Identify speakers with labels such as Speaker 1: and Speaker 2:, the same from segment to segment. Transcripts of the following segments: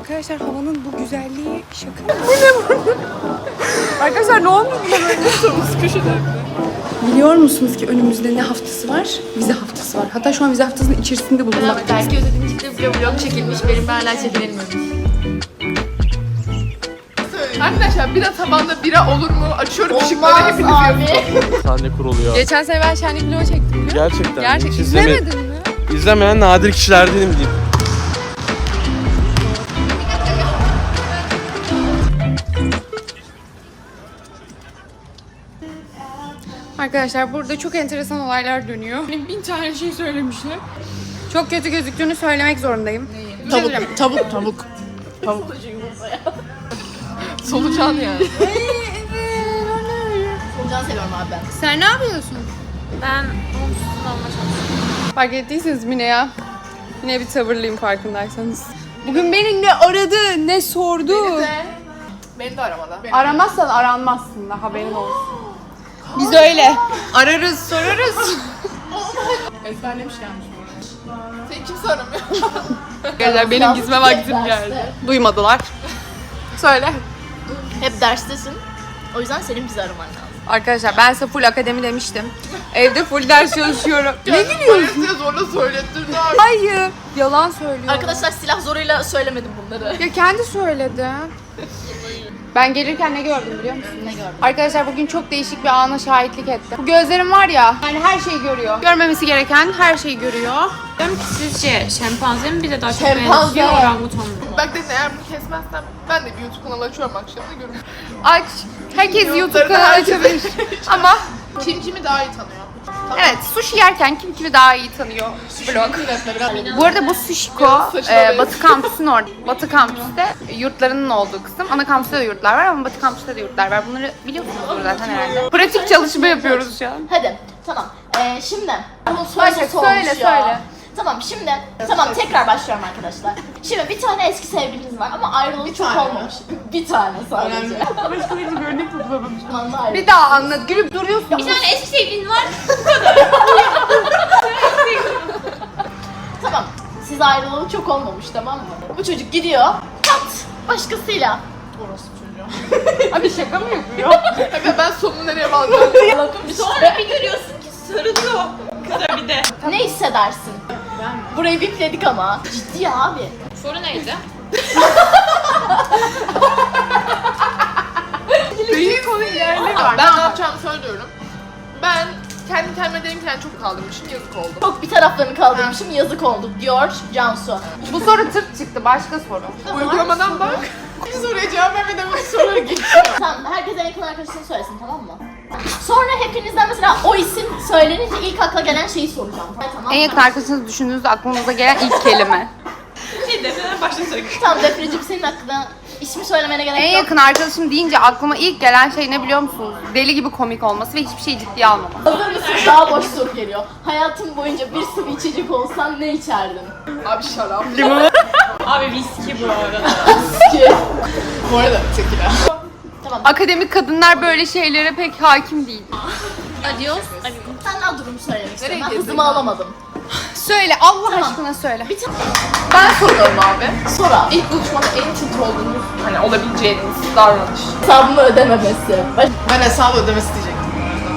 Speaker 1: Arkadaşlar havanın bu güzelliği şaka mı? Bu ne bu? Arkadaşlar ne oldu buna böyle? Biliyor musunuz ki önümüzde ne haftası var? Vize haftası var. Hatta şu an vize haftasının içerisinde bulunmaktayız.
Speaker 2: Belki ödediğin çıktı bir vlog çekilmiş. Benim hala çekilmemiş.
Speaker 3: Arkadaşlar bira tabanda bira olur mu? Açıyorum ışıkları hepiniz yazın.
Speaker 4: Sahne kuruluyor.
Speaker 1: Geçen sene ben şenlik vlogu çektim biliyor musun?
Speaker 4: Gerçekten.
Speaker 1: Gerçekten.
Speaker 4: Hiç
Speaker 1: İzlemedin mi?
Speaker 4: İzlemeyen nadir kişilerdenim diyeyim.
Speaker 1: Arkadaşlar burada çok enteresan olaylar dönüyor. Benim 1000 tane şey söylemişler. Çok kötü gözüktüğünü söylemek zorundayım.
Speaker 3: Tavuk. Solucan yani.
Speaker 2: Solucan seviyorum abi ben.
Speaker 1: Sen ne yapıyorsun?
Speaker 2: Ben onsuz olma çalışıyorum.
Speaker 1: Fark ettiyseniz Mine ya. Yine bir tavırlıyım farkındaysanız. Bugün beni ne aradı, ne sordu.
Speaker 3: Beni de aramadı.
Speaker 1: Aramazsan aranmazsın da haberin olsun. Biz öyle. Ararız, sorarız.
Speaker 3: Ezberlemiş gelmiş bu arada. Seni kimse aramıyor.
Speaker 1: Arkadaşlar benim gizme vaktim geldi. Duymadılar. Söyle.
Speaker 2: Hep derstesin. O yüzden senin bizi araman lazım.
Speaker 1: Arkadaşlar ben size full akademi demiştim. Evde full ders çalışıyorum. Ne gülüyorsun?
Speaker 3: Size zorla söylettirdi abi.
Speaker 1: Hayır. Yalan söylüyor.
Speaker 2: Arkadaşlar silah zoruyla söylemedim bunları.
Speaker 1: Ya kendi söyledi. Ben gelirken ne gördüm biliyor musun?
Speaker 2: Ne gördün?
Speaker 1: Arkadaşlar bugün çok değişik bir ana şahitlik ettim. Bu gözlerim var ya, yani her şeyi görüyor. Görmemesi gereken her şeyi görüyor.
Speaker 5: Diyorum ki sizce şempanze mi bize daha çok
Speaker 2: Şempanze.
Speaker 5: benziyor orangutan mı?
Speaker 3: Bak dedin eğer bunu kesmezsem ben de bir YouTube kanalı açıyorum akşamda görürüm.
Speaker 1: Aç. Herkes YouTube
Speaker 3: YouTube'da
Speaker 1: kanalı
Speaker 3: herkes-
Speaker 1: açabilir. Ama
Speaker 3: Kim kimi daha iyi tanıyor? Tamam.
Speaker 1: evet, sushi yerken kim kimi daha iyi tanıyor vlog. Bu arada bu Sushiko Batı Kampüs'ün orada. Batı Kampüs'te yurtlarının olduğu kısım. Ana kampüste de yurtlar var ama Batı Kampüs'te de yurtlar var. Bunları biliyorsunuz zaten herhalde. Pratik çalışma yapıyoruz şu an.
Speaker 2: Hadi tamam. Şimdi. Bunun
Speaker 1: Başla,
Speaker 2: sorusu olmuş
Speaker 1: söyle,
Speaker 2: ya.
Speaker 1: söyle.
Speaker 2: Tamam şimdi. Tamam tekrar başlıyorum arkadaşlar. Şimdi bir tane eski sevgiliniz var ama ayrılığı çok
Speaker 3: tane mi?
Speaker 2: olmamış. Bir tane sadece.
Speaker 1: Başka hiç örnek bulamamış.
Speaker 2: Zamanla
Speaker 1: Bir daha anlat. Gülüp duruyorsun.
Speaker 5: Bir tane eski sevgilin var.
Speaker 2: Tamam. Siz ayrılalı çok olmamış tamam mı? Bu çocuk gidiyor. Kat başkasıyla.
Speaker 3: Orası çocuğu.
Speaker 1: Abi şaka mı yapıyor?
Speaker 3: Aga ben sonunu nereye bağlayacağım?
Speaker 5: Sonra bir görüyorsun ki sarılıyor. Kıza bir de.
Speaker 2: Ne hissedersin? Burayı bipledik ama. Ciddi abi.
Speaker 5: Soru neydi?
Speaker 1: Değil konu ilerleme var.
Speaker 3: Ben ne yapacağımı söylüyorum. Ben kendi kendime dedim ki yani çok kaldırmışım yazık oldu.
Speaker 2: Çok bir taraflarını kaldırmışım yazık oldu diyor Cansu.
Speaker 1: Bu soru tırt çıktı. Başka soru.
Speaker 3: Uygulamadan bak. Bir soruya cevap vermeden bu soruları geçiyor.
Speaker 2: Tamam herkes en yakın arkadaşını söylesin tamam mı? Sonra hepinizden mesela o isim söylenince ilk akla gelen şeyi soracağım. Tamam
Speaker 1: En
Speaker 2: mı?
Speaker 1: yakın arkadaşınızı düşündüğünüzde aklınıza gelen ilk kelime.
Speaker 2: Tamam Defneciğim senin aklına ismi söylemene gerek
Speaker 1: En
Speaker 2: yok.
Speaker 1: yakın arkadaşım deyince aklıma ilk gelen şey ne biliyor musunuz? Deli gibi komik olması ve hiçbir şeyi ciddiye almaması.
Speaker 2: Hazır mısın? Daha boş soru geliyor. Hayatın boyunca bir sıvı içecek olsan ne içerdin?
Speaker 3: Abi şarap.
Speaker 5: Abi viski bu arada.
Speaker 2: Ki.
Speaker 3: Bu arada tekila.
Speaker 2: Tamam.
Speaker 1: Akademik kadınlar böyle şeylere pek hakim değil.
Speaker 5: Adios.
Speaker 2: Sen daha durumu söylemek istiyorum. Ben
Speaker 3: gezdin
Speaker 2: hızımı
Speaker 3: ya?
Speaker 2: alamadım.
Speaker 1: Söyle Allah
Speaker 2: Tamam.
Speaker 1: aşkına söyle.
Speaker 2: Bir tane
Speaker 3: Ben soruyorum abi.
Speaker 2: sor abi.
Speaker 3: İlk buluşmada en tilt olduğunuz hani olabileceğiniz davranış.
Speaker 2: Hesabımı ödememesi.
Speaker 3: Ben hesabı ödemesi diyecektim.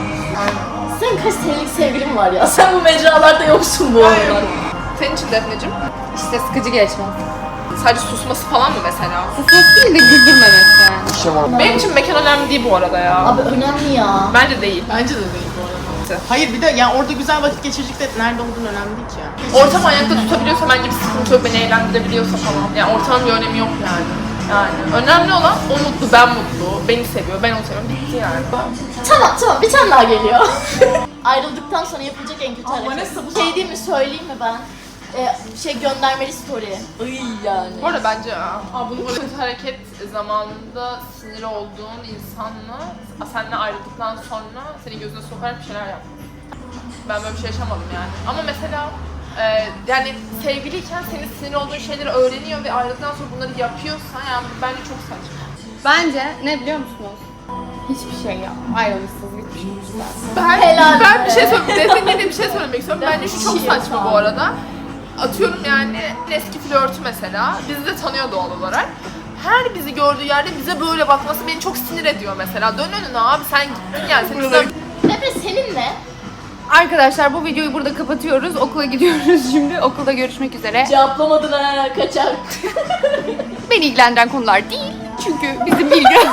Speaker 2: Sen kaç senelik sevgilin var ya? Sen bu mecralarda yoksun bu aralar.
Speaker 3: Senin için Defneciğim
Speaker 1: İşte sıkıcı geçmez.
Speaker 3: sadece susması falan mı mesela?
Speaker 1: Susması değil de güldürmemesi yani.
Speaker 3: Benim için mekan önemli değil bu arada ya.
Speaker 2: Abi önemli ya.
Speaker 3: Bence değil.
Speaker 6: Bence de değil bu arada. Hayır bir de yani orada güzel vakit geçirecek de nerede olduğun önemli değil ki ya.
Speaker 3: Ortam ayakta tutabiliyorsa bence bir sıkıntı yok, beni eğlendirebiliyorsa falan. Yani ortamın bir önemi yok yani. Yani önemli olan o mutlu, ben mutlu, beni seviyor, ben onu seviyorum, bitti yani.
Speaker 2: Tamam bir tane daha geliyor. Ayrıldıktan sonra yapılacak en kötü hareket. Şey değil mi söyleyeyim mi ben? Göndermeli story. Iy yani.
Speaker 3: Bu arada bence bu kötü hareket zamanında sinir olduğun insanla seninle ayrıldıktan sonra senin gözüne sokarak bir şeyler yapmak. Ben böyle bir şey yaşamadım yani. Ama mesela yani sevgiliyken senin sinir olduğun şeyleri öğreniyor ve ayrıldıktan sonra bunları yapıyorsan yani bence çok saçma.
Speaker 1: Bence ne biliyor musunuz? Hiçbir şey yap. Ayrılmışsınız bitmişsiniz.
Speaker 3: Ben
Speaker 2: Helal
Speaker 3: ben
Speaker 2: be.
Speaker 3: bir şey söyleyeyim. Defne'ye de bir şey söylemek istiyorum. Bence şu çok
Speaker 2: Şey
Speaker 3: saçma bu arada. atıyorum yani eski flörtü mesela bizi de tanıyor doğal olarak. Her bizi gördüğü yerde bize böyle bakması beni çok sinir ediyor mesela. Dön önüne abi sen gittin yani.
Speaker 2: Emre senin ne?
Speaker 1: Arkadaşlar bu videoyu burada kapatıyoruz. Okula gidiyoruz şimdi. Okulda görüşmek üzere.
Speaker 2: Cevaplamadın ha kaçar.
Speaker 1: Beni ilgilendiren konular değil. Çünkü bizim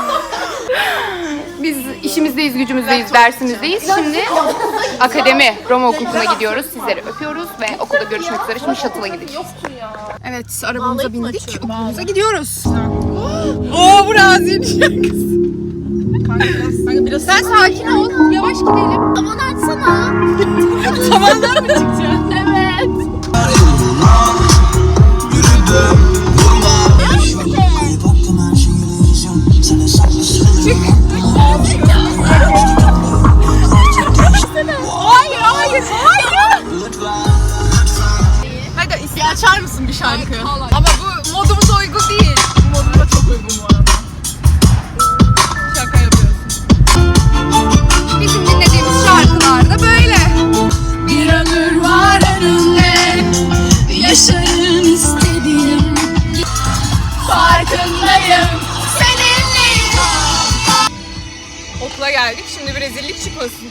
Speaker 1: biz işimizdeyiz, gücümüzdeyiz, dersimizdeyiz. Şimdi akademi Roma Okulu'na gidiyoruz. Sizleri öpüyoruz ve okulda görüşmek üzere. Şimdi shuttle'a gideceğiz. Evet, arabamıza bindik. Okulumuza gidiyoruz. Oo, bu Razi'nin şarkısı. Sen sakin ol. Yavaş gidelim.
Speaker 2: Aman açsana.
Speaker 1: Tavandan mı çıkacaksın?
Speaker 2: Evet.
Speaker 1: Hayır, hayır, hayır.
Speaker 6: Hadi açar mısın bir şarkı?
Speaker 1: Ama bu modumuza uygun değil.
Speaker 3: Moduma çok uygun bu arada.
Speaker 1: Şaka yapıyorsun. Bizim dinlediğimiz şarkılar da böyle. Bir ömür var önümde, yaşarım istediğim. Farkındayım, seninleyim. Okula geldik, şimdi bir rezillik çıkmasın.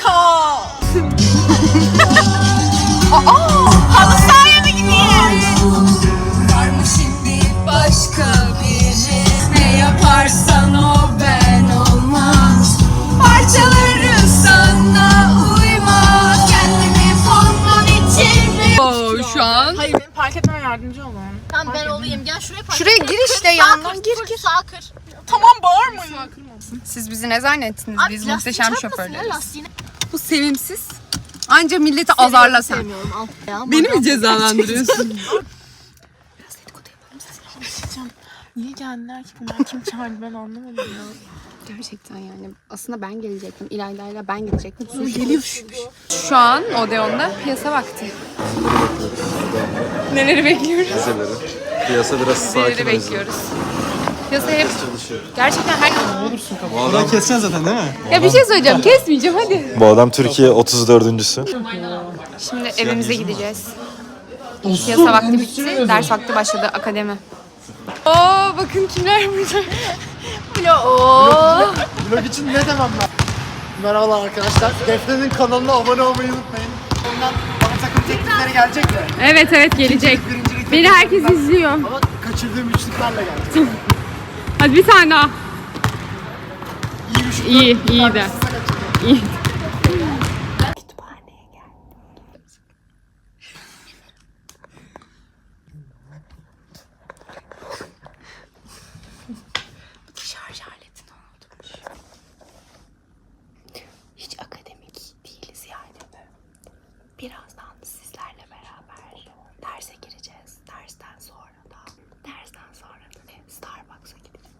Speaker 1: Halı sahaya mı gidiyoruz? Var mı şimdi başka biri? Ne yaparsan o ben olmaz. Parçaları sana uyma. Kendimi fonman için. Şu an.
Speaker 6: Hayır benim park etmeme yardımcı olun.
Speaker 2: Tamam ben olayım. Gel şuraya park.
Speaker 1: Şuraya gir işte yandan gir.
Speaker 2: Sağ kır.
Speaker 6: Tamam bağırmayın.
Speaker 1: Siz bizi ne zannettiniz?
Speaker 2: Abi,
Speaker 1: Biz
Speaker 2: lastiği
Speaker 1: muhteşem
Speaker 2: çarpmasın
Speaker 1: şoförleriz.
Speaker 2: ya, lastiğini.
Speaker 1: Bu sevimsiz. Anca milleti azarla sen.
Speaker 2: Sevmiyorum al. Ya,
Speaker 1: Beni mi cezalandırıyorsun?
Speaker 6: Niye geldiler ki bunlar? Kim çağırdı ben anlamadım ya.
Speaker 1: Gerçekten yani. Aslında ben gelecektim. İlayda'yla ben gidecektim. Şu an Odeon'da piyasa vakti. Neleri bekliyoruz?
Speaker 7: Piyasa biraz sakin
Speaker 1: Neleri bekliyoruz? Piyasa hep gerçekten her...
Speaker 4: Orayı keseceksin zaten değil mi?
Speaker 1: Ya bir şey söyleyeceğim. Kesmeyeceğim hadi.
Speaker 7: Bu adam Türkiye 34.'sü.
Speaker 1: Şimdi evimize gideceğiz. Piyasa vakti bitti. Ders vakti başladı. Akademi. Oo bakın kimler burada.
Speaker 8: Vlog için ne demem ben? Merhabalar arkadaşlar. Defne'nin kanalına abone olmayı unutmayın. Ondan bana takım teklifleri gelecek mi?
Speaker 1: Evet gelecek.
Speaker 8: Birincilik
Speaker 1: Beni herkes izliyor.
Speaker 8: ama kaçırdığım üçlüklerle geldi.
Speaker 1: Hadi bir tane daha.
Speaker 8: İyi üçlükler.
Speaker 1: İyi de. İyi. Şarj aletini unutmuş. Hiç akademik değiliz yani. Birazdan sizlerle beraber derse gireceğiz. Dersten sonra da Starbucks'a gideceğiz.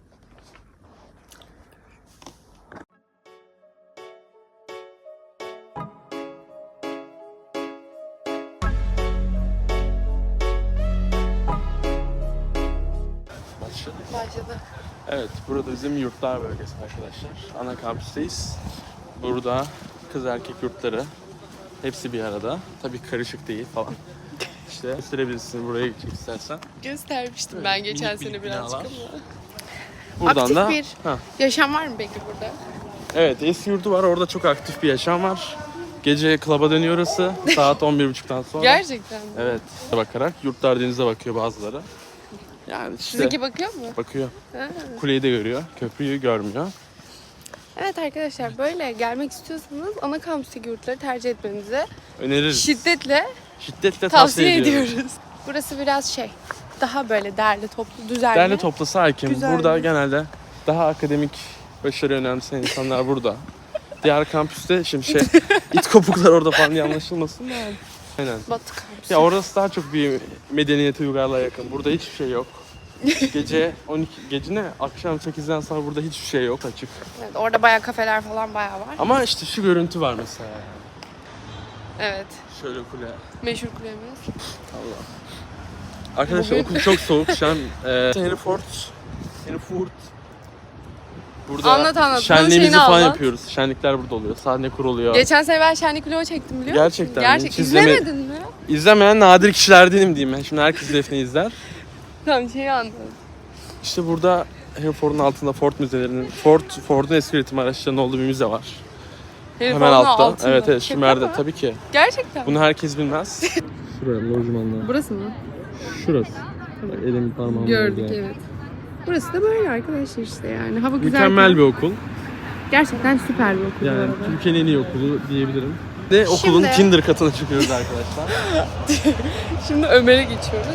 Speaker 4: Başladı. Evet, burada bizim yurtlar bölgesi arkadaşlar. Ana kampüsteyiz. Burada kız erkek yurtları hepsi bir arada. Tabii karışık değil falan. İşte gösterebilirsin buraya gidecek istersen.
Speaker 1: Göstermiştim ben geçen
Speaker 4: Minik
Speaker 1: sene
Speaker 4: minik
Speaker 1: birazcık
Speaker 4: binalar.
Speaker 1: ama.
Speaker 4: Buradan
Speaker 1: Aktif
Speaker 4: da
Speaker 1: bir yaşam var mı peki burada?
Speaker 4: evet, eski yurdu var. Orada çok aktif bir yaşam var. Gece klaba dönüyor orası. Saat 11.30'dan sonra.
Speaker 1: Gerçekten mi?
Speaker 4: Evet. Bakarak yurtlar denize bakıyor bazıları. Yani işte
Speaker 1: Sizinki bakıyor mu?
Speaker 4: bakıyor.
Speaker 1: Ha.
Speaker 4: Kuleyi de görüyor. Köprüyü görmüyor.
Speaker 1: Evet arkadaşlar böyle gelmek istiyorsanız ana kampüsteki yurtları tercih etmenizi
Speaker 4: Öneririz.
Speaker 1: şiddetle
Speaker 4: Şiddetle
Speaker 1: tavsiye
Speaker 4: ediyoruz.
Speaker 1: ediyoruz. Burası biraz daha böyle derli toplu, düzenli.
Speaker 4: Derli toplu sakin.
Speaker 1: Güzel.
Speaker 4: Burada genelde daha akademik başarı önemseyen insanlar burada. Diğer kampüste şimdi it kopuklar orada falan diye anlaşılmasın da yani. Aynen.
Speaker 1: Batı kampüsü.
Speaker 4: Ya orası daha çok bir medeniyete uygarlığa yakın. Burada hiçbir şey yok. Gece ne? Akşam 8'den sonra burada hiçbir şey yok açık.
Speaker 1: Evet, orada bayağı kafeler falan bayağı var.
Speaker 4: Ama işte şu görüntü var mesela.
Speaker 1: Evet.
Speaker 4: Şöyle kule.
Speaker 1: Meşhur kulemiz.
Speaker 4: Arkadaşlar okul çok soğuk şu an. Hereford Burada
Speaker 1: Anlat. Bunun
Speaker 4: şenliğimizi
Speaker 1: şeyini
Speaker 4: falan
Speaker 1: anlat.
Speaker 4: yapıyoruz. Şenlikler burada oluyor. Sahne kuruluyor.
Speaker 1: Geçen sene ben şenlik vlogu çektim biliyor musun?
Speaker 4: Gerçekten mi?
Speaker 1: Gerçek.
Speaker 4: Hiç izleme-
Speaker 1: İzlemedin mi?
Speaker 4: İzlemeyen nadir kişilerdenim diyeyim ben. Şimdi herkes Defne'yi izler.
Speaker 1: Tamam şeyi anladım.
Speaker 4: İşte burada Ford'un altında Ford'un eski üretim araçlarının olduğu bir müze var. Hemen altta.
Speaker 1: altında.
Speaker 4: Evet
Speaker 1: Şaka
Speaker 4: Sümer'de
Speaker 1: mı?
Speaker 4: tabii ki.
Speaker 1: Gerçekten.
Speaker 4: Bunu herkes bilmez. Şuraya lojmanlar.
Speaker 1: Burası mı?
Speaker 4: Şurası. Elimin parmağım
Speaker 1: Gördük evet. Burası da böyle arkadaşlar işte yani. Hava güzel.
Speaker 4: Mükemmel bir okul.
Speaker 1: Gerçekten süper bir okul bu
Speaker 4: Yani
Speaker 1: arada.
Speaker 4: Türkiye'nin en iyi okulu diyebilirim. Ve okulun
Speaker 1: Şimdi-
Speaker 4: Kinder katına çıkıyoruz arkadaşlar.
Speaker 1: Şimdi Ömer'e geçiyoruz.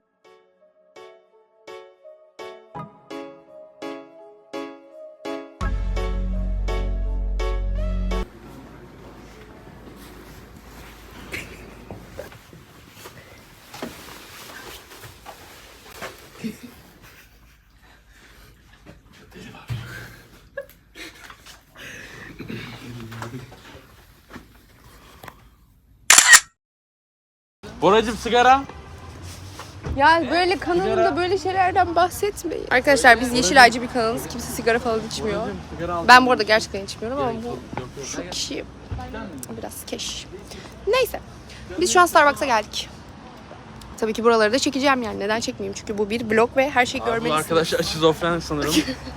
Speaker 4: Boracım sigara.
Speaker 1: Ya böyle kanalımda böyle şeylerden bahsetmeyin. Arkadaşlar biz Yeşilaycı bir kanalız. Kimse sigara falan içmiyor. Ben bu arada gerçekten içmiyorum ama şu kişi biraz keş. Neyse. Biz şu an Starbucks'a geldik. Tabii ki buraları da çekeceğim yani. Neden çekmeyeyim? Çünkü bu bir vlog ve her şeyi
Speaker 4: Bu
Speaker 1: görmelisiniz.
Speaker 4: arkadaşlar şizofren sanırım.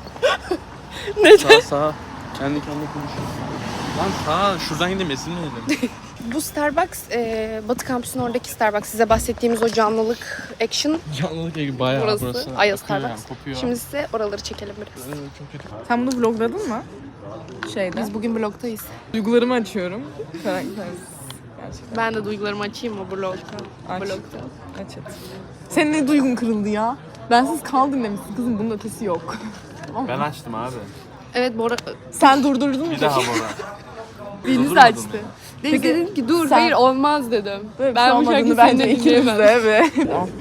Speaker 4: Sağ. Kendi kendine konuşuyor. Lan sağ. Şuradan gidelim ezilmeyelim.
Speaker 1: Bu Starbucks Batı Kampüsü'nün oradaki Starbucks. Size bahsettiğimiz o canlılık action
Speaker 4: Canlılık gibi bayağı
Speaker 1: burası. Aya
Speaker 4: Kokuyor
Speaker 1: Starbucks.
Speaker 4: yani, kokuyor.
Speaker 1: Şimdi size oraları çekelim biraz.
Speaker 4: Çok kötü.
Speaker 5: Sen bunu vlogladın mı? Şeyde.
Speaker 1: Biz bugün vlogtayız.
Speaker 5: Duygularımı açıyorum. Karakter. Gerçekten.
Speaker 1: Ben de duygularımı açayım mı vlogta?
Speaker 5: Aç.
Speaker 1: Vlogta.
Speaker 5: Aç et. Senin ne duygun kırıldı ya? Bensiz kaldın demişsin kızım, bunun ötesi yok.
Speaker 4: Ben açtım abi.
Speaker 1: Evet Bora
Speaker 5: Sen durdurdun mu?
Speaker 4: Bir daha Bora.
Speaker 5: Deniz açtı.
Speaker 1: Deniz dedim ki dur
Speaker 5: sen-
Speaker 1: hayır olmaz dedim.
Speaker 5: Böyle
Speaker 1: Ben bu şarkıyı seninle dinleyemem.
Speaker 5: de.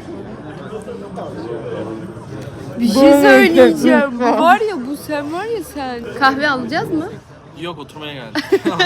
Speaker 1: Bir şey söyleyeceğim. Bu var ya bu sen var ya sen. Kahve alacağız mı?
Speaker 4: Yok oturmaya geldik.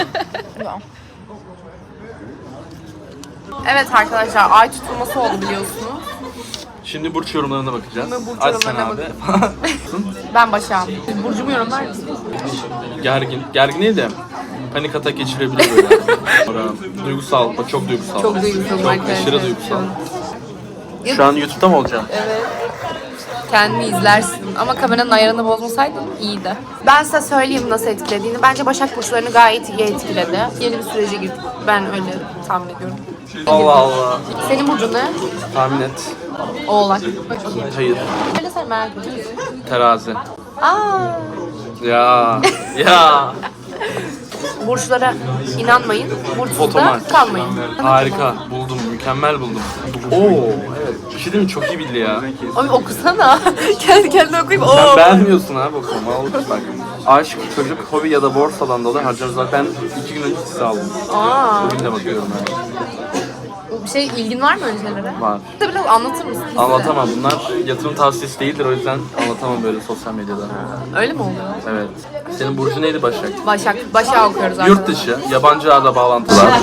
Speaker 1: Evet arkadaşlar ay tutulması oldu biliyorsunuz.
Speaker 4: Şimdi burç yorumlarına bakacağız.
Speaker 1: Şimdi burç
Speaker 4: Aç sen
Speaker 1: yorumlarına
Speaker 4: abi.
Speaker 1: Ben Başak'ım. Burcumu yorumlar mısın?
Speaker 4: Gergin. Gergin değil de panik atak geçirebilir böyle. Sonra duygusal. Bak çok duygusal.
Speaker 1: Çok duygusal
Speaker 4: Çok
Speaker 1: arkadaşlar.
Speaker 4: aşırı duygusal. Şu an YouTube'da mı olacağım?
Speaker 1: Kendini izlersin ama kameranın ayarını bozmasaydın iyiydi. Ben size söyleyeyim nasıl etkilediğini. Bence Başak burçlarını gayet iyi etkiledi. Yeni bir sürece girdik. Ben öyle tahmin ediyorum.
Speaker 4: Allah Allah.
Speaker 1: Senin burcun ne?
Speaker 4: Tahmin et.
Speaker 1: Oğlak.
Speaker 4: Hayır.
Speaker 1: Öyle sen merak ediyorsun.
Speaker 4: Terazi.
Speaker 1: Aa.
Speaker 4: Ya. Ya.
Speaker 1: Burçlara inanmayın. Burçsuzda
Speaker 4: Fotomaç.
Speaker 1: kalmayın.
Speaker 4: Harika. Buldum. Mükemmel buldum. Oo. Evet. Bir şey değil mi? Çok iyi bildi ya.
Speaker 1: Abi okusana. Kendi kendine okuyayım.
Speaker 4: Sen
Speaker 1: Oo.
Speaker 4: beğenmiyorsun abi okuma. Al bak. Aşk, çocuk, hobi ya da borsadan dolayı harcarız. Ben 2 gün önce size aldım.
Speaker 1: Aa.
Speaker 4: Bugün de bakıyorum ben.
Speaker 1: Bir şey ilgin var mı öyle şeylere?
Speaker 4: Var.
Speaker 1: Biraz anlatır mısın?
Speaker 4: Anlatamam. Bunlar yatırım tavsiyesi değildir. O yüzden anlatamam böyle sosyal medyada.
Speaker 1: Öyle mi oluyor?
Speaker 4: Evet. Senin burcu neydi Başak?
Speaker 1: Başak okuyoruz arkadaşlar.
Speaker 4: Yurt dışı, yabancı ağla bağlantılar,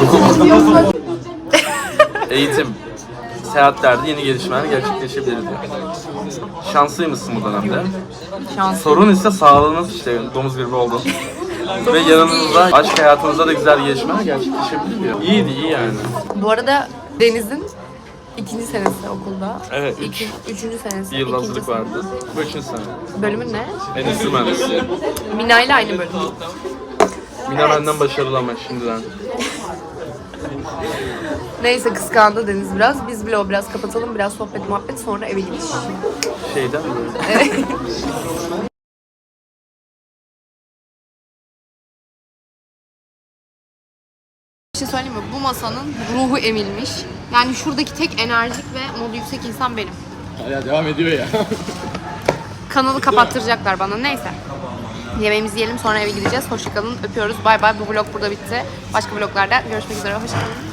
Speaker 4: eğitim, seyahatlerde yeni gelişmeler gerçekleşebilir diyor. Şanslıymışsın bu dönemde.
Speaker 1: Şans.
Speaker 4: Sorun ise sağlığınız işte domuz gribi oldu. Ve yanınızda aşk hayatınızda da güzel gelişmeler gerçekleşebilir diyor. İyiydi, iyi yani.
Speaker 1: Bu arada Deniz'in 2. senesi okulda.
Speaker 4: Evet,
Speaker 1: 3. senesi.
Speaker 4: Bir yıl hazırlık
Speaker 1: ikinci
Speaker 4: vardı. Bu 3. sene.
Speaker 1: sene. Bölümün ne?
Speaker 4: Endüstri mühendisliği.
Speaker 1: Mina ile aynı bölüm.
Speaker 4: Mina benden başarılı ama şimdiden.
Speaker 1: Neyse kıskandı Deniz biraz. Biz vlogu biraz kapatalım. Biraz sohbet muhabbet sonra eve gidiş.
Speaker 4: Şeyden mi böyle?
Speaker 1: Bir şey söyleyeyim mi? Bu masanın ruhu emilmiş. Yani şuradaki tek enerjik ve modu yüksek insan benim.
Speaker 4: Hala devam ediyor ya.
Speaker 1: Kanalı kapattıracaklar bana. Neyse. Yemeğimizi yiyelim sonra eve gideceğiz. Hoşçakalın. Öpüyoruz. Bay bay. Bu vlog burada bitti. Başka vloglarda görüşmek üzere. Hoşçakalın.